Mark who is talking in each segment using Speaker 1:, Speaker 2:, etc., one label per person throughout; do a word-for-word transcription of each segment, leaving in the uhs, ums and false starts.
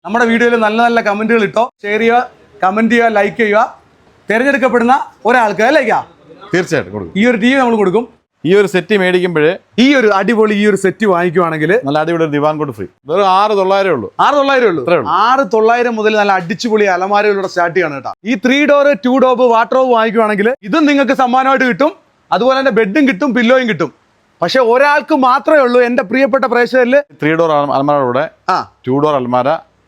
Speaker 1: നമ്മുടെ വീഡിയോയിൽ നല്ല നല്ല കമന്റുകൾ ഇട്ടോ, ഷെയർ ചെയ്യുക, കമന്റ് ചെയ്യുക, ലൈക്ക് ചെയ്യുക. തിരഞ്ഞെടുക്കപ്പെടുന്ന ഒരാൾക്ക് അല്ലേക്കാ
Speaker 2: തീർച്ചയായിട്ടും കൊടുക്കും.
Speaker 1: ഈ ഒരു ടി വി നമ്മൾ കൊടുക്കും.
Speaker 2: ഈ ഒരു സെറ്റ് മേടിക്കുമ്പോൾ
Speaker 1: ഈ ഒരു അടിപൊളി ഈ ഒരു സെറ്റ് വാങ്ങിക്കുവാണെങ്കിൽ
Speaker 2: നല്ല അടിപൊളി ഒരു ദിവാൻ കോട്ട് ഫ്രീ. വെറും ആറ് തൊള്ളായിരം ഉള്ളൂ.
Speaker 1: ആറ് തൊള്ളായിരം ഉള്ളൂ. ആറ് തൊള്ളായിരം മുതൽ നല്ല അടിച്ചുപൊളി അലമാരയിലൂടെ സ്റ്റാർട്ട് ചെയ്യണം കേട്ടോ. ഈ ത്രീ ഡോർ ടു ഡോബ് വാട്ടർഡ്രോബ് വാങ്ങിക്കുവാണെങ്കിൽ ഇതും നിങ്ങൾക്ക് സമ്മാനമായിട്ട് കിട്ടും. അതുപോലെ തന്നെ ബെഡും കിട്ടും, പില്ലോയും കിട്ടും. പക്ഷെ ഒരാൾക്ക് മാത്രമേ ഉള്ളൂ എന്റെ പ്രിയപ്പെട്ട പ്രേക്ഷകരിൽ
Speaker 2: ത്രീ ഡോർ അലമാരയുടെ
Speaker 1: ആ
Speaker 2: ടു ഡോർ അലമാര,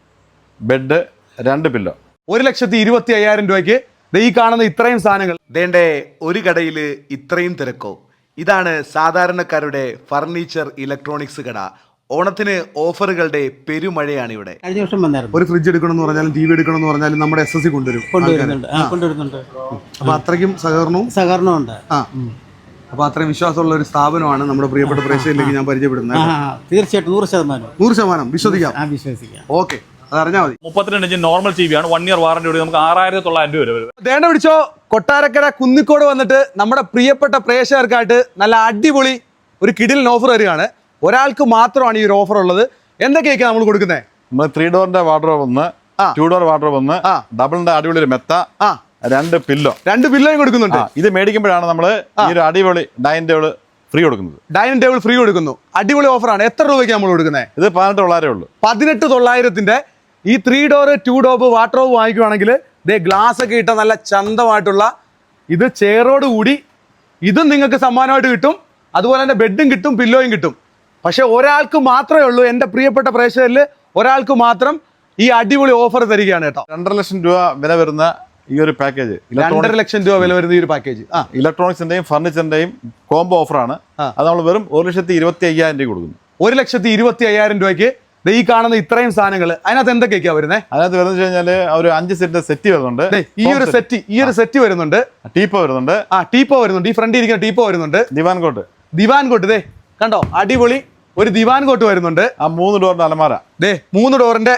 Speaker 2: ബെഡ്, രണ്ട് പില്ലോ.
Speaker 1: ഒരു ലക്ഷത്തി ഇരുപത്തി അയ്യായിരം രൂപയ്ക്ക് ഈ കാണുന്ന ഇത്രയും സാധനങ്ങൾ. ദേണ്ടേ ഒരു കടയിൽ ഇത്രയും തിരക്കോ? ഇതാണ് സാധാരണക്കാരുടെ ഫർണിച്ചർ ഇലക്ട്രോണിക്സ് കട. ഓണത്തിന് ഓഫറുകളുടെ പെരുമഴയാണ് ഇവിടെ.
Speaker 3: കഴിഞ്ഞ വർഷം വന്നായിരുന്നു.
Speaker 1: ഒരു ഫ്രിഡ്ജ് എടുക്കണം എന്ന് പറഞ്ഞാലും ടി വി എടുക്കണം എന്ന് പറഞ്ഞാലും നമ്മുടെ എസ് എസ് സി കൊണ്ടുവരും
Speaker 3: കൊണ്ടുവരുന്നുണ്ട് കൊണ്ടുവരുന്നുണ്ട്
Speaker 1: അപ്പൊ അത്രയ്ക്കും സഹകരണവും
Speaker 3: സഹകരണമുണ്ട്.
Speaker 1: ആ അപ്പൊ അത്രയും വിശ്വാസമുള്ള ഒരു സ്ഥാപനമാണ് നമ്മുടെ പ്രിയപ്പെട്ട പ്രേക്ഷകരിലേക്ക് ഞാൻ പരിചയപ്പെടുന്നത്.
Speaker 3: തീർച്ചയായിട്ടും നൂറ് ശതമാനം
Speaker 1: നൂറ് ശതമാനം വിശ്വസിക്കാം.
Speaker 3: വിശ്വസിക്കാം.
Speaker 1: ഓക്കെ, അതറിഞ്ഞാൽ മതി.
Speaker 4: മുപ്പത്തിരണ്ട് ഇഞ്ച് നോർമൽ ടി വി ആണ്. വൺ ഇയർ വാറന്റി നമുക്ക് ആറായിരത്തി തൊള്ളായിരം രൂപ വരും.
Speaker 1: ദേണ്ട പിടിച്ചോ, കൊട്ടാരക്കര കുന്നിക്കോട് വന്നിട്ട് നമ്മുടെ പ്രിയപ്പെട്ട പ്രേക്ഷകർക്കായിട്ട് നല്ല അടിപൊളി ഒരു കിടിലൻ ഓഫർ വരികയാണ്. ഒരാൾക്ക് മാത്രമാണ് ഈ ഒരു ഓഫർ ഉള്ളത്. എന്തൊക്കെയൊക്കെ നമ്മൾ കൊടുക്കുന്നത്?
Speaker 2: നമ്മൾ ത്രീ ഡോറിന്റെ വാർഡ്രോബ് ഒന്ന്, ടു ഡോർ വാർഡ്രോബ് ഒന്ന്, ഡബിളിന്റെ അടിപൊളി ഒരു മെത്ത, രണ്ട് പില്ലോ.
Speaker 1: രണ്ട് പില്ലോയും കൊടുക്കുന്നുണ്ട്.
Speaker 2: ഇത് മേടിക്കുമ്പോഴാണ് നമ്മൾ ഈ ഒരു അടിപൊളി ഡൈനിങ് ടേബിൾ ഫ്രീ കൊടുക്കുന്നത്.
Speaker 1: ഡൈനിങ് ടേബിൾ ഫ്രീ കൊടുക്കുന്നു. അടിപൊളി ഓഫറാണ്. എത്ര രൂപയ്ക്ക് നമ്മൾ കൊടുക്കുന്നത്?
Speaker 2: ഇത് പതിനെട്ട് തൊള്ളായിരം ഉള്ളൂ.
Speaker 1: പതിനെട്ട് തൊള്ളായിരത്തിന്റെ ഈ ത്രീ ഡോർ ടു ഡോബ് വാട്ടർഡ്രോബ് വാങ്ങിക്കുവാണെങ്കിൽ ദേ ഗ്ലാസ് ഒക്കെ ഇട്ട നല്ല ചന്തമായിട്ടുള്ള ഇത് ചെയറോട് കൂടി ഇതും നിങ്ങൾക്ക് സമ്മാനമായിട്ട് കിട്ടും. അതുപോലെ തന്നെ ബെഡും കിട്ടും, പില്ലോയും കിട്ടും. പക്ഷെ ഒരാൾക്ക് മാത്രമേ ഉള്ളൂ എന്റെ പ്രിയപ്പെട്ട പ്രേക്ഷകരിൽ ഒരാൾക്ക് മാത്രം ഈ അടിപൊളി ഓഫർ തരികയാണ് കേട്ടോ.
Speaker 2: രണ്ടര ലക്ഷം രൂപ വില വരുന്ന ഈ ഒരു പാക്കേജ്,
Speaker 1: രണ്ടര ലക്ഷം രൂപ വില വരുന്ന ഈ ഒരു പാക്കേജ് ആ
Speaker 2: ഇലക്ട്രോണിക്സിന്റെയും ഫർണിച്ചറിന്റെയും കോംബോ ഓഫറാണ്. അത് നമ്മൾ വെറും ഒരു ലക്ഷത്തി ഇരുപത്തി അയ്യായിരം രൂപ കൊടുക്കുന്നു.
Speaker 1: ഒരു ലക്ഷത്തി ഇരുപത്തി അയ്യായിരം രൂപയ്ക്ക് ഈ കാണുന്ന ഇത്രയും സാധനങ്ങൾ. അതിനകത്ത് എന്തൊക്കെയാ വരുന്നത്?
Speaker 2: അതിനകത്ത് വരുന്നത് കഴിഞ്ഞാല് ഒരു അഞ്ച് സെറ്റ് സെറ്റ് വരുന്നുണ്ട്.
Speaker 1: ഈ ഒരു സെറ്റ് ഈ ഒരു സെറ്റ് വരുന്നുണ്ട്.
Speaker 2: ടീപ്പോ വരുന്നുണ്ട്.
Speaker 1: ആ ടീപ്പോ വരുന്നുണ്ട്. ഈ ഫ്രണ്ടിൽ ഇരിക്കുന്ന ടീപ്പോ വരുന്നുണ്ട്.
Speaker 2: ദിവാൻ കോട്ട്
Speaker 1: ദിവാൻ കോട്ട് ദേ കണ്ടോ, അടിപൊളി ഒരു ദിവാൻ കോട്ട് വരുന്നുണ്ട്.
Speaker 2: ആ മൂന്ന് ഡോറിന്റെ അലമാര,
Speaker 1: ദേ മൂന്ന് ഡോറിന്റെ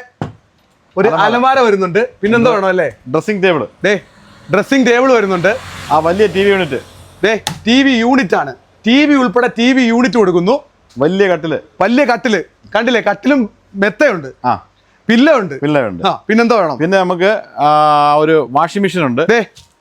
Speaker 1: ഒരു അലമാര വരുന്നുണ്ട്. പിന്നെന്താ വേണം അല്ലേ?
Speaker 2: ഡ്രസ്സിംഗ് ടേബിൾ,
Speaker 1: ദേ ഡ്രസ്സിംഗ് ടേബിൾ വരുന്നുണ്ട്.
Speaker 2: ആ വലിയ ടി വി യൂണിറ്റ്,
Speaker 1: ദേ ടി വി യൂണിറ്റ് ആണ്. ടി വി ഉൾപ്പെടെ ടി വി യൂണിറ്റ് കൊടുക്കുന്നു.
Speaker 2: വലിയ കട്ടില്,
Speaker 1: വലിയ കട്ടില് കണ്ടില്ലേ? കട്ടിലും മെത്തയുണ്ട്,
Speaker 2: ആ
Speaker 1: പില്ല ഉണ്ട്,
Speaker 2: പില്ല ഉണ്ട്.
Speaker 1: ആ പിന്നെന്താ വേണം?
Speaker 2: പിന്നെ നമുക്ക് ഒരു വാഷിംഗ് മെഷീൻ ഉണ്ട്.
Speaker 1: ദേ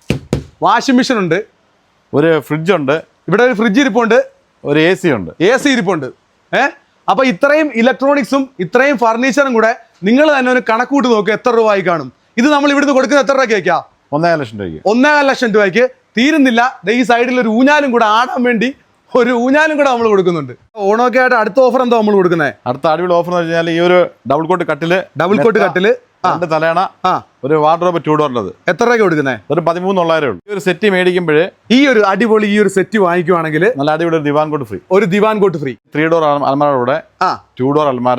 Speaker 1: വാഷിംഗ് മെഷീൻ ഉണ്ട്.
Speaker 2: ഒരു ഫ്രിഡ്ജ് ഉണ്ട്.
Speaker 1: ഇവിടെ ഒരു ഫ്രിഡ്ജ് ഇരിപ്പുണ്ട്.
Speaker 2: ഒരു എ സി ഉണ്ട്.
Speaker 1: എ സി ഇരിപ്പുണ്ട്. ഏഹ് അപ്പൊ ഇത്രയും ഇലക്ട്രോണിക്സും ഇത്രയും ഫർണിച്ചറും കൂടെ നിങ്ങൾ തന്നെ ഒരു കണക്കൂട്ട് നോക്കുക എത്ര രൂപ ആയി കാണും. ഇത് നമ്മൾ ഇവിടുന്ന് കൊടുക്കുന്നത് എത്ര രൂപയ്ക്കാ?
Speaker 2: ഒന്നേകാൽ ലക്ഷം രൂപയ്ക്ക്.
Speaker 1: ഒന്നേകാൽ ലക്ഷം രൂപയ്ക്ക് തീരുന്നില്ല. ഈ സൈഡിൽ ഒരു ഊഞ്ഞാലും കൂടെ ആടാൻ വേണ്ടി ഒരു ഊഞ്ഞാലും കൂടെ നമ്മൾ കൊടുക്കുന്നുണ്ട്. ഓണമൊക്കെ ആയിട്ട് അടുത്ത ഓഫർ എന്താ നമ്മൾ കൊടുക്കുന്നത്?
Speaker 2: അടുത്ത അടിപൊളി ഓഫർ എന്ന് വെച്ചാൽ ഈ ഒരു ഡബിൾ കോട്ട് കട്ടില്,
Speaker 1: ഡബിൾ കോട്ട് കട്ടില്,
Speaker 2: രണ്ട് തലയണ, ഒരു വാർഡ്രോബ് ടു ഡോറിൻ്റെത്.
Speaker 1: എത്ര രൂപയ്ക്ക് കൊടുക്കുന്നത്?
Speaker 2: ഒരു പതിമൂന്ന് തൊള്ളായിരം ഉള്ളൂ. ഈ ഒരു സെറ്റ് മേടിക്കുമ്പോൾ
Speaker 1: ഈ ഒരു അടിപൊളി ഈ ഒരു സെറ്റ് വാങ്ങിക്കുവാണെങ്കിൽ
Speaker 2: നല്ല അടിപൊളി ഒരു ദിവാൻ കോട്ട് ഫ്രീ.
Speaker 1: ഒരു divan cot free.
Speaker 2: Three door അലമാരയുടെ
Speaker 1: ആ
Speaker 2: ടു ഡോർ അലമാര,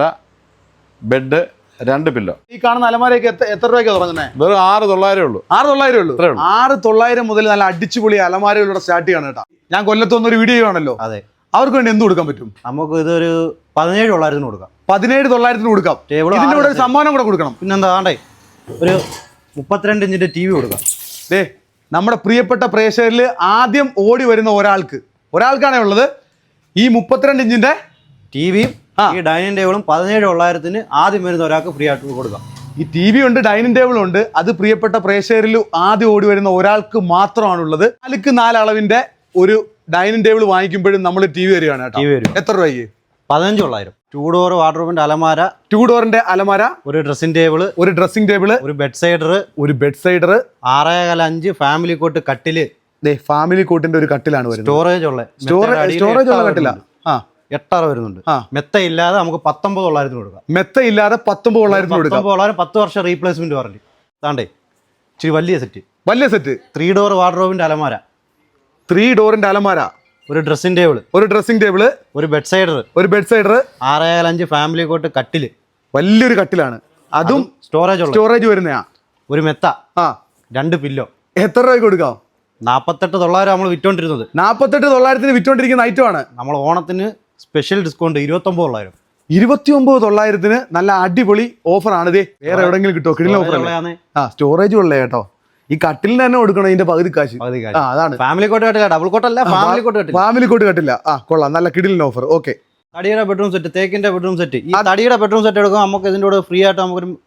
Speaker 2: ബെഡ്, രണ്ട് പില്ലോ.
Speaker 1: ഈ കാണുന്ന അലമാരയൊക്കെ എത്ര രൂപയ്ക്ക് തുടങ്ങുന്നത്?
Speaker 2: വെറും ആറ് തൊള്ളായിരം ഉള്ളൂ.
Speaker 1: ആറ് തൊള്ളായിരം ഉള്ളൂ. ആറ് തൊള്ളായിരം മുതൽ നല്ല അടിച്ചുപൊളി അലമാരയിലൂടെ സ്റ്റാർട്ട് ചെയ്യണം കേട്ടോ. ഞാൻ കൊല്ലത്തൊന്നും ഒരു വീഡിയോ ചെയ്യുവാണല്ലോ.
Speaker 3: അതെ,
Speaker 1: അവർക്ക് വേണ്ടി എന്ത് കൊടുക്കാൻ പറ്റും?
Speaker 3: നമുക്ക് ഇതൊരു പതിനേഴ് തൊള്ളായിരത്തിന് കൊടുക്കാം.
Speaker 1: പതിനേഴ് തൊള്ളായിരത്തിന് കൊടുക്കാം. ഇതിന്റെ കൂടെ ഒരു സമ്മാനം കൂടെ കൊടുക്കണം.
Speaker 3: പിന്നെന്താ വേണ്ടേ? ഒരു മുപ്പത്തിരണ്ട് ഇഞ്ചിന്റെ ടി വി കൊടുക്കാം.
Speaker 1: ദേ നമ്മുടെ പ്രിയപ്പെട്ട പ്രേക്ഷകരിൽ ആദ്യം ഓടി വരുന്ന ഒരാൾക്ക് ഒരാൾക്കാണേ ഉള്ളത് ഈ മുപ്പത്തിരണ്ട് ഇഞ്ചിന്റെ
Speaker 3: ടി വിയും ഈ ഡൈനിങ് ടേബിളും പതിനേഴ് തൊള്ളായിരത്തിന് ആദ്യം വരുന്ന ഒരാൾക്ക് ഫ്രീ ആയിട്ട് കൊടുക്കാം.
Speaker 1: ഈ ടി വി ഉണ്ട്, ഡൈനിങ് ടേബിൾ ഉണ്ട്. അത് പ്രിയപ്പെട്ട പ്രേക്ഷകരിൽ ആദ്യം ഓടി വരുന്ന ഒരാൾക്ക് മാത്രമാണുള്ളത്. നാലുക്ക് നാല് അളവിന്റെ ഒരു ഡൈനിങ് ടേബിൾ വാങ്ങിക്കുമ്പോഴും നമ്മൾ ടി വി വരികയാണ് കേട്ടോ.
Speaker 3: ടി വി വരും.
Speaker 1: എത്ര രൂപയ്ക്ക്?
Speaker 3: പതിനഞ്ച് തൊള്ളായിരം. ടൂ ഡോർ വാർഡ്രോബിന്റെ അലമാര,
Speaker 1: ടൂ ഡോറിന്റെ അലമാര,
Speaker 3: ഒരു ഡ്രസ്സിംഗ് ടേബിള്,
Speaker 1: ഒരു ഡ്രസ്സിംഗ് ടേബിള്,
Speaker 3: ഒരു ബെഡ് സൈഡർ,
Speaker 1: ഒരു ബെഡ് സൈഡർ,
Speaker 3: ആറേകാല അഞ്ച് ഫാമിലി കോട്ട് കട്ടില്.
Speaker 1: ഫാമിലി കോട്ടിന്റെ ഒരു കട്ടിലാണ് വരുന്നത്.
Speaker 3: സ്റ്റോറേജ് ഉള്ള
Speaker 1: സ്റ്റോറേജ് സ്റ്റോറേജ് ഉള്ള കട്ടില. ആ
Speaker 3: എട്ടറ വരുന്നുണ്ട്. മെത്ത ഇല്ലാതെ നമുക്ക് പത്തൊമ്പത് തൊള്ളായിരത്തിന് കൊടുക്കാം.
Speaker 1: മെത്ത ഇല്ലാതെ പത്തൊമ്പത് തൊള്ളായിരത്തിന് കൊടുക്കാം.
Speaker 3: തൊള്ളായിരം പത്ത് വർഷം റീപ്ലേസ്മെന്റ് വാറണ്ടി. താണ്ടേ ഇച്ചിരി വലിയ സെറ്റ്,
Speaker 1: വലിയ സെറ്റ്.
Speaker 3: ത്രീ ഡോർ വാർഡ്രോബിന്റെ അലമാര,
Speaker 1: ത്രീ ഡോറിന്റെ അലമാര,
Speaker 3: ഒരു ഡ്രസ്സിംഗ് ടേബിൾ,
Speaker 1: ഒരു ഡ്രസ്സിംഗ് ടേബിള്,
Speaker 3: ഒരു ബെഡ് സൈഡർ,
Speaker 1: ഒരു ബെഡ് സൈഡർ,
Speaker 3: ആറേകാൽ അഞ്ച് ഫാമിലി കോട്ട് കട്ടില്.
Speaker 1: വലിയൊരു കട്ടിലാണ്. അതും
Speaker 3: സ്റ്റോറേജ് ഉള്ള
Speaker 1: സ്റ്റോറേജ് വരുന്നയാ.
Speaker 3: ഒരു മെത്ത,
Speaker 1: ആ
Speaker 3: രണ്ട് പില്ലോ.
Speaker 1: എത്ര രൂപയ്ക്ക് കൊടുക്കാം?
Speaker 3: നാപ്പത്തെട്ട് തൊള്ളായിരം നമ്മൾ വിറ്റോണ്ടിരുന്നത്.
Speaker 1: നാപ്പത്തെട്ട് തൊള്ളായിരത്തിന് വിറ്റോണ്ടിരിക്കുന്ന ഐറ്റമാണ്.
Speaker 3: നമ്മൾ ഓണത്തിന് സ്പെഷ്യൽ ഡിസ്കൗണ്ട് ഇരുപത്തൊമ്പത് തൊള്ളായിരം.
Speaker 1: ഇരുപത്തി ഒമ്പത് തൊള്ളായിരത്തിന് നല്ല അടിപൊളി ഓഫറാണ്. ഇതേ വേറെ എവിടെയെങ്കിലും കിട്ടുമോ? കിടിലൻ ഓഫർ. ആ സ്റ്റോറേജ് ഉള്ളേ കേട്ടോ. ഈ കട്ടിലിന് തന്നെ കൊടുക്കണം ഇതിന്റെ പകുതി കാശ്. ആ അതാണ്
Speaker 3: ഫാമിലി കോട്ട് കട്ടില്ല, ഡബിൾ കോട്ട് അല്ല, ഫാമിലി കോട്ട് കട്ടില്ല.
Speaker 1: ഫാമിലി കോട്ട് കട്ടില്ല. ആ കൊള്ളാം, നല്ല കിടിലൻ ഓഫർ. ഓക്കെ,
Speaker 3: തടിയുടെ ബെഡ്റൂം സെറ്റ്, തേക്കിന്റെ ബെഡ്റൂം സെറ്റ്. ഈ തടിയുടെ ബെഡ്റൂം സെറ്റ് എടുക്കുമ്പോൾ നമുക്ക് ഇതിന്റെ കൂടെ ഫ്രീ ആയിട്ട് നമുക്കൊരു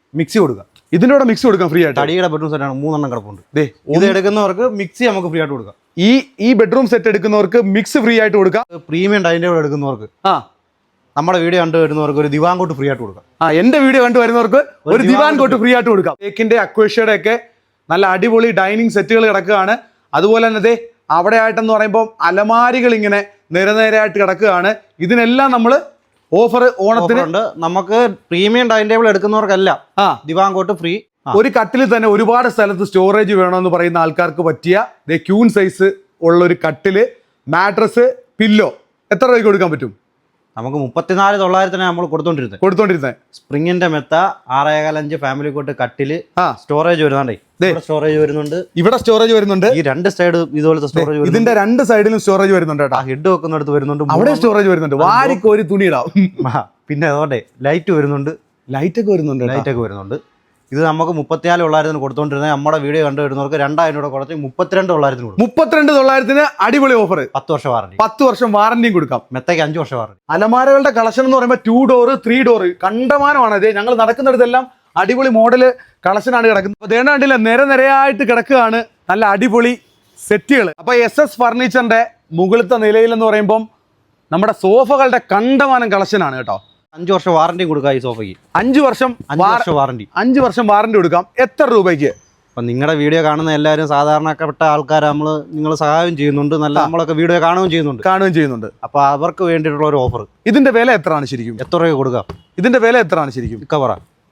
Speaker 3: മിക്സി കൊടുക്കാം.
Speaker 1: ഇതിന്റെ കൂടെ മിക്സി കൊടുക്കാം ഫ്രീ ആയിട്ട്.
Speaker 3: തടിയുടെ ബെഡ്റൂം സെറ്റാണ്, മൂന്നെണ്ണം കിടപ്പുണ്ട്.
Speaker 1: ദേ
Speaker 3: ഇത് എടുക്കുന്നവർക്ക് മിക്സി നമുക്ക് ഫ്രീ ആയിട്ട് കൊടുക്കാം.
Speaker 1: ഈ ഈ ബെഡ്റൂം സെറ്റ് എടുക്കുന്നവർക്ക് മിക്സ് ഫ്രീ ആയിട്ട് കൊടുക്കാം.
Speaker 3: പ്രീമിയം ഡൈനിങ് ടേബിൾ എടുക്കുന്നവർക്ക്,
Speaker 1: ആ
Speaker 3: നമ്മുടെ വീഡിയോ കണ്ടു വരുന്നവർക്ക് ഒരു ദിവാൻ കോട്ട് ഫ്രീ ആയിട്ട് കൊടുക്കാം.
Speaker 1: ആ എന്റെ വീഡിയോ കണ്ടു വരുന്നവർക്ക് ഒരു ദിവാൻ കോട്ട് ഫ്രീ ആയിട്ട് കൊടുക്കാം. തേക്കിന്റെ അക്വേഷ്യയുടെ ഒക്കെ നല്ല അടിപൊളി ഡൈനിങ് സെറ്റുകൾ കിടക്കുകയാണ്. അതുപോലെ തന്നെ ദേ അവിടെ ആയിട്ടെന്ന് പറയുമ്പോൾ അലമാരികൾ ഇങ്ങനെ നിരനിരയായിട്ട് കിടക്കുകയാണ്. ഇതിനെല്ലാം നമ്മൾ ഓഫർ ഓണത്തിന്
Speaker 3: ഉണ്ട്. നമുക്ക് പ്രീമിയം ഡൈനിങ് ടേബിൾ എടുക്കുന്നവർക്കല്ല
Speaker 1: ആ
Speaker 3: ദിവാൻ കോട്ട് ഫ്രീ.
Speaker 1: ഒരു കട്ടിൽ തന്നെ ഒരുപാട് സ്ഥലത്ത് സ്റ്റോറേജ് വേണമെന്ന് പറയുന്ന ആൾക്കാർക്ക് പറ്റിയ ദേ ക്യൂൺ സൈസ് ഉള്ള ഒരു കട്ടില്, മാട്രസ്, പില്ലോ എത്ര രൂപയ്ക്ക് കൊടുക്കാൻ പറ്റും?
Speaker 3: നമുക്ക് മുപ്പത്തിനാല് തൊള്ളായിരത്തിന് നമ്മൾ കൊടുത്തോണ്ടിരുന്നത്
Speaker 1: കൊടുത്തോണ്ടിരുന്നത്
Speaker 3: സ്പ്രിങ്ങിന്റെ മെത്ത, ആറേകാലഞ്ച് ഫാമിലി കോട്ട് കട്ടില്,
Speaker 1: ആ
Speaker 3: സ്റ്റോറേജ് വരുന്നുണ്ടേ. സ്റ്റോറേജ് വരുന്നുണ്ട്,
Speaker 1: ഇവിടെ സ്റ്റോറേജ് വരുന്നുണ്ട്.
Speaker 3: ഈ രണ്ട് സൈഡ് ഇതുപോലത്തെ സ്റ്റോറേജ്,
Speaker 1: ഇതിന്റെ രണ്ട് സൈഡിലും സ്റ്റോറേജ് വരുന്നുണ്ട് കേട്ടോ.
Speaker 3: ഹെഡ് വെക്കുന്നിടത്ത് വരുന്നുണ്ട്,
Speaker 1: അവിടെ സ്റ്റോറേജ് വരുന്നുണ്ട്. വാരിക്കോരി തുണിയിടാം.
Speaker 3: പിന്നെ അതുകൊണ്ട് ലൈറ്റ് വരുന്നുണ്ട്,
Speaker 1: ലൈറ്റ് ഒക്കെ വരുന്നുണ്ട്.
Speaker 3: ലൈറ്റ് ഒക്കെ വരുന്നുണ്ട്. ഇത് നമുക്ക് മുപ്പത്തിനാല് തൊള്ളായിരത്തിന് കൊടുത്തോണ്ടിരുന്നത് നമ്മുടെ വീഡിയോ കണ്ടു വരുന്നവർക്ക് രണ്ടായിരം രൂപ കുറച്ച് മുപ്പത്തിരണ്ട് തൊള്ളായിരത്തിന് കൊടുക്കും.
Speaker 1: മുപ്പത്തിരണ്ട് തൊള്ളായിരത്തിന് അടിപൊളി ഓഫർ.
Speaker 3: പത്ത് വർഷം വാറണ്ടി,
Speaker 1: പത്ത് വർഷം വാറന്റിയും കൊടുക്കാം.
Speaker 3: മെത്തയ്ക്ക് അഞ്ച് വർഷം വാറണ്ടി.
Speaker 1: അലമാരകളുടെ കളക്ഷൻ എന്ന് പറയുമ്പോൾ ടു ഡോർ ത്രീ ഡോർ കണ്ടമാനമാണ്. അതെ ഞങ്ങൾ നടക്കുന്നിടത്തെല്ലാം അടിപൊളി മോഡല് കളക്ഷനാണ് കിടക്കുന്നത്. അപ്പോൾ ദേണ്ട കണ്ടില്ല, നിര നിരയായിട്ട് കിടക്കുകയാണ് നല്ല അടിപൊളി സെറ്റുകൾ. അപ്പോൾ എസ് എസ് ഫർണിച്ചറിന്റെ മുകളിലത്തെ നിലയിൽ എന്ന് പറയുമ്പം നമ്മുടെ സോഫകളുടെ കണ്ടമാനം കളക്ഷനാണ് കേട്ടോ.
Speaker 3: അഞ്ച് വർഷം വാറണ്ടി കൊടുക്കാം ഈ സോഫയ്ക്ക്.
Speaker 1: അഞ്ച് വർഷം
Speaker 3: അഞ്ച് വർഷം വാറണ്ടി
Speaker 1: അഞ്ച് വർഷം വാറണ്ടി കൊടുക്കാം. എത്ര രൂപയ്ക്ക്?
Speaker 3: അപ്പം നിങ്ങളുടെ വീഡിയോ കാണുന്ന എല്ലാവരും സാധാരണപ്പെട്ട ആൾക്കാർ, നമ്മൾ നിങ്ങൾ സഹായം ചെയ്യുന്നുണ്ട്, നല്ല നമ്മളൊക്കെ വീഡിയോ കാണുകയും ചെയ്യുന്നുണ്ട്
Speaker 1: കാണുകയും ചെയ്യുന്നുണ്ട്.
Speaker 3: അപ്പോൾ അവർക്ക് വേണ്ടിയിട്ടുള്ള ഒരു ഓഫർ.
Speaker 1: ഇതിന്റെ വില എത്രയാണ് ശരിക്കും?
Speaker 3: എത്ര രൂപ കൊടുക്കാം?
Speaker 1: ഇതിന്റെ വില എത്രയാണ് ശരിക്കും?
Speaker 3: കവറ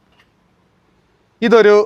Speaker 1: ഇതൊരു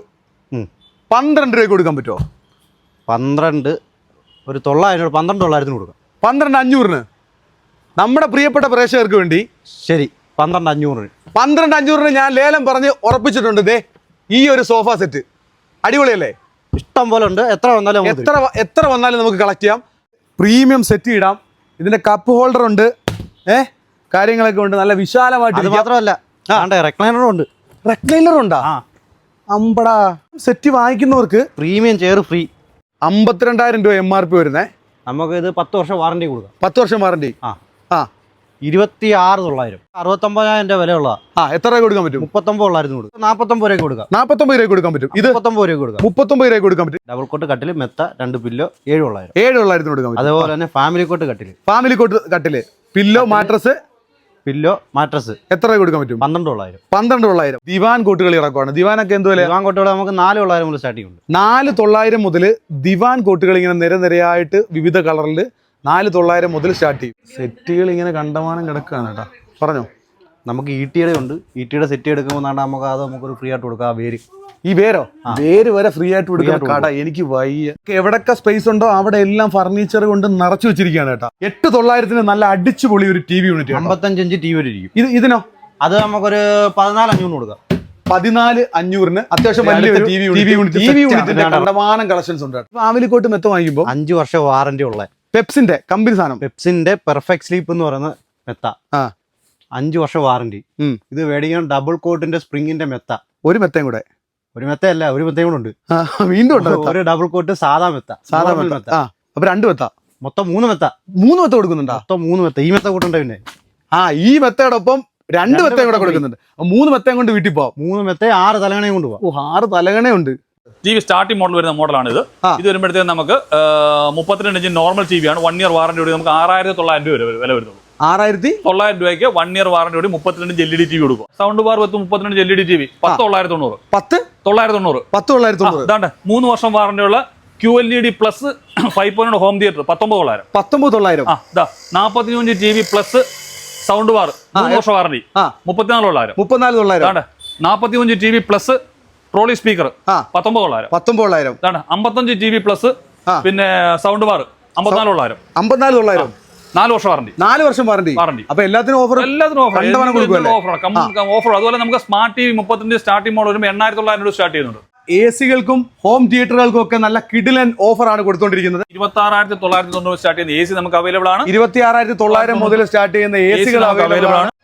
Speaker 1: പന്ത്രണ്ട് രൂപയ്ക്ക് കൊടുക്കാൻ പറ്റുമോ?
Speaker 3: പന്ത്രണ്ട് ഒരു തൊള്ളായിരം രൂപ, പന്ത്രണ്ട് തൊള്ളായിരത്തിന് കൊടുക്കാം.
Speaker 1: പന്ത്രണ്ട് അഞ്ഞൂറിന് നമ്മുടെ പ്രിയപ്പെട്ട പ്രേക്ഷകർക്ക് വേണ്ടി
Speaker 3: ശരി, പന്ത്രണ്ട് അഞ്ഞൂറിന്.
Speaker 1: പന്ത്രണ്ട് അഞ്ഞൂറിന് ഞാൻ ലേലം പറഞ്ഞ് ഉറപ്പിച്ചിട്ടുണ്ട്. ദേ ഈ ഒരു സോഫ സെറ്റ് അടിപൊളിയല്ലേ?
Speaker 3: ഇഷ്ടം പോലെ ഉണ്ട്. എത്ര വന്നാലും
Speaker 1: എത്ര എത്ര വന്നാലും നമുക്ക് കളക്ട് ചെയ്യാം. പ്രീമിയം സെറ്റ് ഇടാം. ഇതിന്റെ കപ്പ് ഹോൾഡർ ഉണ്ട്, ഏഹ് കാര്യങ്ങളൊക്കെ ഉണ്ട്. നല്ല വിശാലമായിട്ട്.
Speaker 3: അത് മാത്രമല്ല റെക്ലൈനറും ഉണ്ട്.
Speaker 1: റെക്ലൈനർ ഉണ്ടാ? അമ്പടാ. സെറ്റ് വാങ്ങിക്കുന്നവർക്ക്
Speaker 3: പ്രീമിയം ചെയർ ഫ്രീ.
Speaker 1: അമ്പത്തിരണ്ടായിരം രൂപ എം ആർ പി വരുന്നേ.
Speaker 3: നമുക്ക് ഇത് പത്ത് വർഷം വാറണ്ടി കൊടുക്കാം.
Speaker 1: പത്ത് വർഷം വാറണ്ടി.
Speaker 3: ആ
Speaker 1: ആ
Speaker 3: ഇരുപത്തി ആറ് തൊള്ളായിരം, അറുപത്തൊമ്പതിനായിരം രൂപ വിലയുള്ള.
Speaker 1: ആ എത്ര രൂപ കൊടുക്കാൻ പറ്റും?
Speaker 3: മുപ്പത്തൊമ്പത് തൊള്ളായിരത്തിന് കൊടുക്കും. നാൽപ്പത്തൊമ്പത് രൂപ കൊടുക്കാം.
Speaker 1: നാൽപ്പത്തൊമ്പത് രൂപ കൊടുക്കാൻ പറ്റും. ഇത്
Speaker 3: മുപ്പത്തൊമ്പത് രൂപ കൊടുക്കാം.
Speaker 1: മുപ്പത്തൊമ്പത് രൂപ കൊടുക്കാൻ പറ്റും.
Speaker 3: ഡബിൾ കോട്ട് കട്ടില്, മെത്ത, രണ്ട് പില്ലോ, ഏഴ് തൊള്ളായിരം.
Speaker 1: ഏഴ് തൊള്ളായിരത്തിന് കൊടുക്കാൻ പറ്റും.
Speaker 3: അതുപോലെ തന്നെ ഫാമിലി കോട്ട് കട്ടില്,
Speaker 1: ഫാമിലി കോട്ട് കട്ടില്, പില്ലോ, മാട്രസ്,
Speaker 3: പില്ലോ, മാട്രസ്
Speaker 1: എത്ര രൂപ കൊടുക്കാൻ പറ്റും?
Speaker 3: പന്ത്രണ്ട് തൊള്ളായിരം.
Speaker 1: പന്ത്രണ്ട് തൊള്ളായിരം. ദിവാൻ കോട്ടുകൾ ഇറക്കുവാണ്. ദിവാനൊക്കെ എന്ത് വില?
Speaker 3: ദിവാൻ കോട്ടുകൾ നമുക്ക് നാല് തൊള്ളായിരം മുതൽ സ്റ്റാർട്ടിംഗ് ഉണ്ട്.
Speaker 1: നാല് തൊള്ളായിരം മുതൽ ദിവാൻ കോട്ടുകൾ ഇങ്ങനെ നിരനിരയായിട്ട് വിവിധ കളറിൽ നാല് തൊള്ളായിരം മുതൽ സ്റ്റാർട്ട് ചെയ്യും. സെറ്റുകൾ ഇങ്ങനെ കണ്ടമാനം കിടക്കുകയാണ് കേട്ടോ. പറഞ്ഞോ.
Speaker 3: നമുക്ക് ഈട്ടിയുടെ ഉണ്ട്. ഈട്ടിയുടെ സെറ്റ് എടുക്കുമ്പോൾ നമുക്ക് അത് നമുക്കൊരു ഫ്രീ ആയിട്ട് കൊടുക്കാം. വേര്,
Speaker 1: ഈ വേരോ വേര് വരെ ഫ്രീ ആയിട്ട് കൊടുക്കുന്ന കട എനിക്ക് വയ്യ. എവിടൊക്കെ സ്പേസ് ഉണ്ടോ അവിടെ എല്ലാം ഫർണിച്ചർ കൊണ്ട് നിറച്ചു വെച്ചിരിക്കുകയാണ് കേട്ടോ. എട്ട് തൊള്ളായിരത്തിന് നല്ല അടിച്ചുപൊളി ഒരു ടി വി യൂണിറ്റ്.
Speaker 3: അമ്പത്തഞ്ച് ഇഞ്ച് ടി വി ഇരിക്കും.
Speaker 1: ഇത് ഇതിനോ?
Speaker 3: അത് നമുക്കൊരു പതിനാല് അഞ്ഞൂറ് കൊടുക്കാം.
Speaker 1: പതിനാല് അഞ്ഞൂറിന് അത്യാവശ്യം വലിയ T V unit. T V യൂണിറ്റിന്റെ കണ്ടമാനം കളക്ഷൻസ് ഉണ്ട്. ഫാമിലി കോട്ട് മെത്ത വാങ്ങിക്കുമ്പോൾ
Speaker 3: അഞ്ച് വർഷം വാറന്റി ഉള്ള
Speaker 1: പെപ്സിന്റെ കമ്പനി സാധനം.
Speaker 3: പെപ്സിന്റെ പെർഫെക്റ്റ് സ്ലീപ്പ് എന്ന് പറയുന്ന മെത്ത,
Speaker 1: ആ
Speaker 3: അഞ്ച് വർഷം വാറന്റി. ഇത് മേടിക്കാൻ ഡബിൾ കോട്ടിന്റെ സ്പ്രിങ്ങിന്റെ മെത്ത.
Speaker 1: ഒരു മെത്തയും കൂടെ.
Speaker 3: ഒരു മെത്തയല്ല, ഒരു മെത്തയും കൂടെ ഉണ്ട്.
Speaker 1: വീണ്ടും ഉണ്ട്
Speaker 3: ഒരു ഡബിൾ കോട്ട് സാധാ മെത്ത,
Speaker 1: സാധാ മെത്ത. അപ്പൊ രണ്ട് മെത്ത,
Speaker 3: മൊത്തം മൂന്ന് മെത്ത.
Speaker 1: മൂന്ന് മെത്ത കൊടുക്കുന്നുണ്ടോ?
Speaker 3: മൊത്തം മൂന്ന് മെത്ത. ഈ മെത്ത കൂട്ടുണ്ട്. പിന്നെ
Speaker 1: ആ ഈ മെത്തയോടൊപ്പം രണ്ട് മെത്തയും കൂടെ കൊടുക്കുന്നുണ്ട്. മൂന്ന് മെത്തയും കൊണ്ട് വീട്ടിൽ പോവാം. മൂന്ന്
Speaker 3: മെത്ത ആറ് തലകണയും കൊണ്ട് പോവാം.
Speaker 1: ഓ ആറ് തലകണയുണ്ട്.
Speaker 4: ടി വി സ്റ്റാർട്ടിംഗ് മോഡൽ വരുന്ന മോഡലാണ് ഇത്. ഇത് വരുമ്പോഴത്തേക്ക് നമുക്ക് മുപ്പത്തിരണ്ട് ഇഞ്ച് നോർമൽ ടി വി ആണ്. വൺ ഇയർ വാറന്റിയോടെ നമുക്ക് ആറായിരത്തി തൊള്ളായിരം രൂപ വില വരുന്നുള്ളൂ. ആറായിരത്തി തൊള്ളായിരം രൂപയ്ക്ക് വൺ ഇയർ വാറന്റിയോടെ മുപ്പത്തിരണ്ട് inch L E D T V കൊടുക്കും. സൗണ്ട് ബാർ പത്ത് മുപ്പത്തിരണ്ട് inch L E D T V പത്ത് തൊള്ളായിരത്തി തൊണ്ണൂറ്. പത്ത് തൊള്ളായിരത്തി തൊണ്ണൂറ്. പത്ത് തൊള്ളായിരത്തി തൊണ്ണൂറ്. അതാണ്ട് മൂന്ന് വർഷം വാറന്റിയുള്ള Q L E D plus five point home theatre പത്തൊമ്പത് തൊള്ളായിരം. പത്തൊമ്പത് തൊള്ളായിരം. ആ ഇതാ നാൽപ്പത്തി അഞ്ച് T V plus sound bar മൂന്ന് വർഷം വാറന്റി മുപ്പത്തിനാല് തൊള്ളായിരം. മുപ്പത്തിനാല് തൊള്ളായിരം. നാൽപ്പത്തി അഞ്ച് T V plus trolley speaker പത്തൊമ്പത് തൊള്ളായിരം. പത്തൊമ്പത് തൊള്ളായിരം. അമ്പത്തഞ്ച് ടി വി പ്ലസ് പിന്നെ സൗണ്ട് ബാർ അമ്പത്തിനാല് തൊള്ളായിരം. അമ്പത്തിനാല് തൊള്ളായിരം. നാല് വർഷം വാറന്റി. നാല് വർഷം വാറന്റി. വാറന്റി. അപ്പൊ എല്ലാത്തിനും ഓഫർ. എല്ലാത്തിനും ഓഫർ. ഓഫർ. അതുപോലെ നമുക്ക് സ്മാർട്ട് ടി വി മുപ്പത്തഞ്ച് സ്റ്റാർട്ടിംഗ് മോഡൽ വരുമ്പോൾ എണ്ണായിരത്തി തൊള്ളായിരം രൂപ സ്റ്റാർട്ട് ചെയ്യുന്നുണ്ട്. എ സികൾക്കും ഹോം തിയേറ്ററുകൾക്കും ഒക്കെ നല്ല കിഡിലൻ ഓഫർ ആണ് കൊടുത്തോണ്ടിരിക്കുന്നത്. ഇരുപത്തി ആറായിരത്തി തൊള്ളായിരത്തി തൊണ്ണൂറ് സ്റ്റാർട്ട് ചെയ്യുന്ന എ സി നമുക്ക് അവൈലബിൾ ആണ്. ഇരുപത്തി ആറായിരത്തി തൊള്ളായിരം മുതൽ സ്റ്റാർട്ട് ചെയ്യുന്ന എ സികൾ അവൈലബിൾ ആണ്.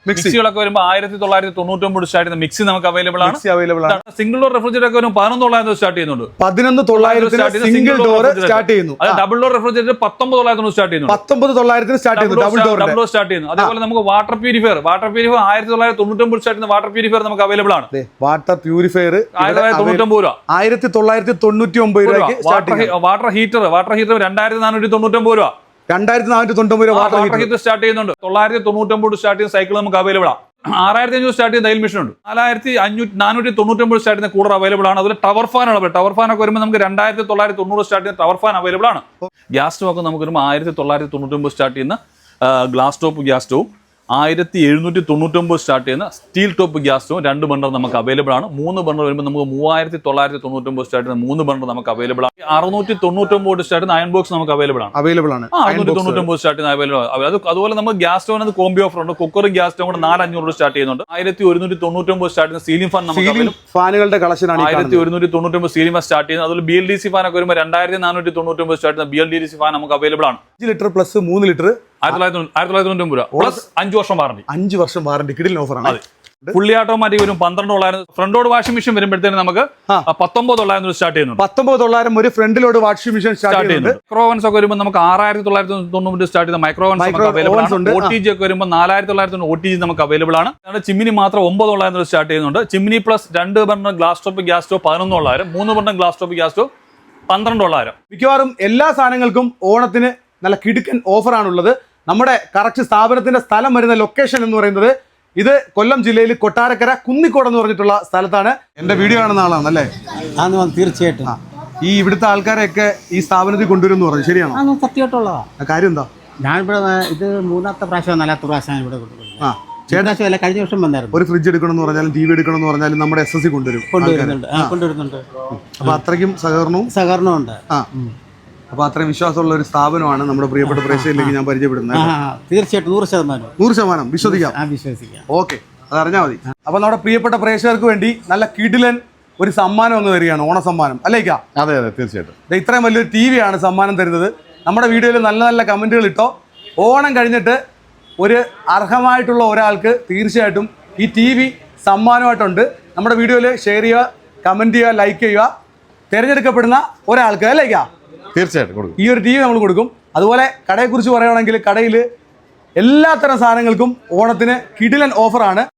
Speaker 4: മിക്സികളൊക്കെ വരുമ്പോൾ ആയിരത്തി തൊള്ളായിരത്തി തൊണ്ണൂറ്റൊമ്പത് സ്റ്റാർട്ട് ചെയ്യുന്ന മിക്സി നമുക്ക് അവൈലബിൾ ആണ്.
Speaker 1: അവൈലബിൾ ആണ്.
Speaker 4: സിംഗിൾ ഡോർ റെഫ്രിജറേറ്റർ ഒക്കെ വരുമ്പോൾ പതിനൊന്ന് തൊള്ളായിരത്തി സ്റ്റാർട്ട് ചെയ്യുന്നുണ്ട്.
Speaker 1: പതിനൊന്ന് തൊള്ളായിരത്തി സിംഗിൾ ഡോർ സ്റ്റാർട്ട് ചെയ്യുന്നു.
Speaker 4: ഡബിൾ ഡോർ റെഫ്രിജറേറ്റർ പത്തൊമ്പത് തൊള്ളായിരത്തി സ്റ്റാർട്ട് ചെയ്യുന്നു.
Speaker 1: പത്തൊമ്പത് തൊള്ളായിരത്തിന് സ്റ്റാർട്ട് ചെയ്യുന്നു. Double door
Speaker 4: double door start ചെയ്യുന്നു. അതേപോലെ നമുക്ക് വാട്ടർ പ്യൂരിഫയർ വാട്ടർ പ്യൂരിഫയർ ആയിരത്തി തൊള്ളായിരത്തി തൊണ്ണൂറ്റൊമ്പത് സ്റ്റാർട്ട് ചെയ്യുന്ന വാട്ടർ പ്യൂരിഫയർ നമുക്ക് അവൈലബിൾ ആണ്.
Speaker 1: വാട്ടർ പ്യൂരിഫയർ
Speaker 4: ആയിരത്തി തൊള്ളായിരത്തി തൊണ്ണൂറ്റൊമ്പത് രൂപ.
Speaker 1: ആയിരത്തി തൊള്ളായിരത്തി തൊണ്ണൂറ്റി ഒമ്പത് രൂപയ്ക്ക്
Speaker 4: വാട്ടർ ഹീറ്റർ വാട്ടർ ഹീറ്റർ രണ്ടായിരത്തി നാനൂറ്റി തൊണ്ണൂറ്റൊമ്പത് രൂപ.
Speaker 1: രണ്ടായിരത്തി നാനൂറ്റി തൊണ്ണൂറ്റൊമ്പത് രൂപ
Speaker 4: വാട്ടർ ഹീറ്റർ സ്റ്റാർട്ട് ചെയ്യുന്നുണ്ട്. തൊള്ളായിരത്തി തൊണ്ണൂറ്റൊമ്പത് സ്റ്റാർട്ട് ചെയ്യുന്ന സൈക്കിൾ നമുക്ക് അവൈലബിൾ ആണ്. ആറായിരത്തി അഞ്ഞൂറ് സ്റ്റാർട്ട് ചെയ്യുന്ന തയ്യൽ മെഷീൻ ഉണ്ട്. നാലായിരത്തി അഞ്ഞൂറ്റി നാനൂറ്റി തൊണ്ണൂറ്റൊമ്പത് സ്റ്റാർട്ട് ചെയ്യുന്ന കൂളർ അവൈലബിൾ ആണ്. അതുപോലെ ടവർ ഫാൻ ആണ്. ടവർ ഫാൻ ഒക്കെ വരുമ്പോൾ നമുക്ക് രണ്ടായിരത്തി തൊള്ളായിരത്തി തൊണ്ണൂറ് സ്റ്റാർട്ട് ചെയ്യുന്ന ടവർ ഫാൻ അവൈലബിൾ ആണ്. ഗ്യാസ് സ്റ്റവ് ഒക്കെ നമുക്ക് വരുമ്പോൾ ആയിരത്തി തൊള്ളായിരത്തി തൊണ്ണൂറ്റൊമ്പത് സ്റ്റാർട്ട് ചെയ്യുന്ന ഗ്ലാസ് ടോപ്പ് ഗ്യാസ് സ്റ്റവും ആയിരത്തി എഴുന്നൂറ്റി തൊണ്ണൂറ്റൊമ്പത് സ്റ്റാർട്ട് ചെയ്യുന്ന സ്റ്റീൽ ടോപ്പ് ഗ്യാസ് സ്റ്റവും രണ്ട് ബർണർ നമുക്ക് അവൈലബിൾ ആണ്. മൂന്ന് ബർണർ വരുമ്പോൾ നമുക്ക് മൂവായിരത്തി തൊള്ളായിരത്തി തൊണ്ണൂറ്റൊമ്പത് സ്റ്റാർട്ട് ചെയ്യുന്ന മൂന്ന് ബർണർ നമുക്ക് അവൈലബിൾ ആണ്. അറുന്നൂറ്റി തൊണ്ണൂറ്റൊമ്പത് സ്റ്റാർട്ട് ചെയ്യുന്ന അയൺ ബോക്സ് നമുക്ക് അവൈലബിൾ ആണ്.
Speaker 1: അവൈലബിൾ ആണ്.
Speaker 4: അറുന്നൂറ്റി തൊണ്ണൂറ്റൊമ്പത് സ്റ്റാർട്ട് ചെയ്യുന്ന അവൈലബിൾ ആണ്. അത് അതുപോലെ നമുക്ക് ഗ്യാസ് സ്റ്റോവിന് കോംബി ഓഫർ ഉണ്ട്. കുക്കറും ഗ്യാസ് സ്റ്റോവും കൂടെ നാല് അഞ്ഞൂറ് സ്റ്റാർട്ട് ചെയ്യുന്നുണ്ട്. ആയിരത്തി ഒരുന്നൂറ്റി തൊണ്ണൂറ്റൊമ്പത് സ്റ്റാർട്ട് ചെയ്യുന്ന സീലിംഗ് ഫാൻ നമുക്ക്
Speaker 1: ഫാനുകളുടെ കളക്ഷൻ ആണ്.
Speaker 4: ആയിരത്തി ഒരുന്നൂറ്റി തൊണ്ണൂറ്റൊമ്പത് സീലിംഗ് ഫാൻ സ്റ്റാർട്ട് ചെയ്യുന്നത്. അതുപോലെ B L D C fan ഒക്കെ വരുമ്പോൾ രണ്ടായിരത്തി നാനൂറ്റി തൊണ്ണൂറ്റൊമ്പത് സ്റ്റാർട്ട് ചെയ്യുന്ന B L D C fan നമുക്ക് അവൈലബിൾ ആണ്.
Speaker 1: അഞ്ച് ലിറ്റർ പ്ലസ് മൂന്ന് ലിറ്റർ
Speaker 4: ആയിരത്തി തൊള്ളായിരത്തി ആയിരത്തി തൊള്ളായിരത്തി തൊണ്ണൂറ്റൊമ്പത് രൂപ പ്ലസ് അഞ്ച് വർഷം വാറണ്ടി.
Speaker 1: അഞ്ച് വർഷം വാറണ്ടി കിടിലൻ ഓഫറാണ്.
Speaker 4: ഫുള്ളി ഓട്ടോമാറ്റിക് വരും പന്ത്രണ്ട് തൊള്ളായിരം. ഫ്രണ്ടോട് വാഷിംഗ് മെഷീൻ വരുമ്പോഴത്തേന് നമുക്ക് പത്തൊമ്പത് തൊള്ളായിരം സ്റ്റാർട്ട് ചെയ്യുന്നുണ്ട്.
Speaker 1: പത്തൊമ്പത് തൊള്ളായിരം ഒരു ഫ്രണ്ടിലോട് വാഷിംഗ് മെഷീൻ സ്റ്റാർട്ട് ചെയ്യുന്നുണ്ട്.
Speaker 4: മൈക്രോവൻസ് ഒക്കെ വരുമ്പോൾ നമുക്ക് ആറായിരത്തി തൊള്ളായിരത്തി തൊണ്ണൂറ് സ്റ്റാർട്ട് ചെയ്യുന്ന മൈക്രോവൻസ് നമുക്ക് അവൈലബിൾ ആണ്. ഒ ടി ജി ഒക്കെ വരുമ്പോൾ നാലായിരത്തി തൊള്ളായിരത്തി ഒ ടി ജി നമുക്ക് അവൈലബിൾ ആണ്. ചിമ്മിനി മാത്രം ഒമ്പത് തൊള്ളായിരം സ്റ്റാർട്ട് ചെയ്യുന്നുണ്ട്. ചിമ്മിനി പ്ലസ് രണ്ട് burner glass top gas stove പതിനൊന്ന് തൊള്ളായിരം. മൂന്ന് burner glass top gas stove പന്ത്രണ്ട് തൊള്ളായിരം.
Speaker 1: മിക്കവാറും എല്ലാ സാധനങ്ങൾക്കും ഓണത്തിന് നല്ല കിടുക്കൻ ഓഫറാണുള്ളത്. നമ്മുടെ കറക്റ്റ് സ്ഥാപനത്തിന്റെ സ്ഥലം വരുന്ന ലൊക്കേഷൻ എന്ന് പറയുന്നത് ഇത് കൊല്ലം ജില്ലയിൽ കൊട്ടാരക്കര കുന്നിക്കോട് എന്ന് പറഞ്ഞിട്ടുള്ള സ്ഥലത്താണ്. എന്റെ വീഡിയോ കാണുന്ന ആളാണ് അല്ലേ?
Speaker 3: തീർച്ചയായിട്ടും.
Speaker 1: ഈ ഇവിടുത്തെ ആൾക്കാരെയൊക്കെ ഈ സ്ഥാപനത്തിൽ കൊണ്ടുവരും എന്ന് പറഞ്ഞു, ശരിയാണോ?
Speaker 3: സത്യമായിട്ടുള്ളതാ.
Speaker 1: കാര്യം എന്താ?
Speaker 3: ഞാനിവിടെ ഇത് മൂന്നാമത്തെ പ്രാവശ്യം നാലാമത്തെ പ്രാവശ്യം ഇവിടെ കൊണ്ടുവരുന്നത്.
Speaker 1: ആ
Speaker 3: ചേട്ടാ കഴിഞ്ഞ വർഷം വന്നായിരുന്നു.
Speaker 1: ഒരു ഫ്രിഡ്ജ് എടുക്കണം എന്ന് പറഞ്ഞാലും ടി വി എടുക്കണം എന്ന് പറഞ്ഞാലും നമ്മുടെ എസ് എസ് സി കൊണ്ടുവരും
Speaker 3: കൊണ്ടുവരുന്നുണ്ട് കൊണ്ടുവരുന്നുണ്ട്
Speaker 1: അപ്പൊ അത്രയ്ക്കും സഹകരണവും
Speaker 3: സഹകരണവും ഉണ്ട്.
Speaker 1: ആ അപ്പൊ അത്രയും വിശ്വാസമുള്ള ഒരു സ്ഥാപനമാണ് നമ്മുടെ പ്രിയപ്പെട്ട പ്രേക്ഷകരിലേക്ക് ഞാൻ പരിചയപ്പെടുന്നത്.
Speaker 3: തീർച്ചയായിട്ടും നൂറ് ശതമാനം
Speaker 1: നൂറ് ശതമാനം വിശ്വസിക്കാം.
Speaker 3: വിശ്വസിക്കാം.
Speaker 1: ഓക്കെ, അത് അറിഞ്ഞാൽ മതി. അപ്പൊ നമ്മുടെ പ്രിയപ്പെട്ട പ്രേക്ഷകർക്ക് വേണ്ടി നല്ല കിടിലൻ ഒരു സമ്മാനം ഒന്ന് തരികയാണ്, ഓണ സമ്മാനം അല്ലേക്കാ?
Speaker 2: അതെ അതെ തീർച്ചയായിട്ടും.
Speaker 1: ഇത്രയും വലിയൊരു ടി വി ആണ് സമ്മാനം തരുന്നത്. നമ്മുടെ വീഡിയോയിൽ നല്ല നല്ല കമന്റുകൾ ഇട്ടോ. ഓണം കഴിഞ്ഞിട്ട് ഒരു അർഹമായിട്ടുള്ള ഒരാൾക്ക് തീർച്ചയായിട്ടും ഈ ടി വി സമ്മാനമായിട്ടുണ്ട്. നമ്മുടെ വീഡിയോയിൽ ഷെയർ ചെയ്യുക, കമന്റ് ചെയ്യുക, ലൈക്ക് ചെയ്യുക. തിരഞ്ഞെടുക്കപ്പെടുന്ന ഒരാൾക്ക് അല്ലേക്കാ
Speaker 2: തീർച്ചയായിട്ടും കൊടുക്കും.
Speaker 1: ഈ ഒരു ടി വി നമ്മൾ കൊടുക്കും. അതുപോലെ കടയെക്കുറിച്ച് പറയുകയാണെങ്കിൽ കടയിൽ എല്ലാത്തരം സാധനങ്ങൾക്കും ഓണത്തിന് കിടിലൻ ഓഫറാണ്.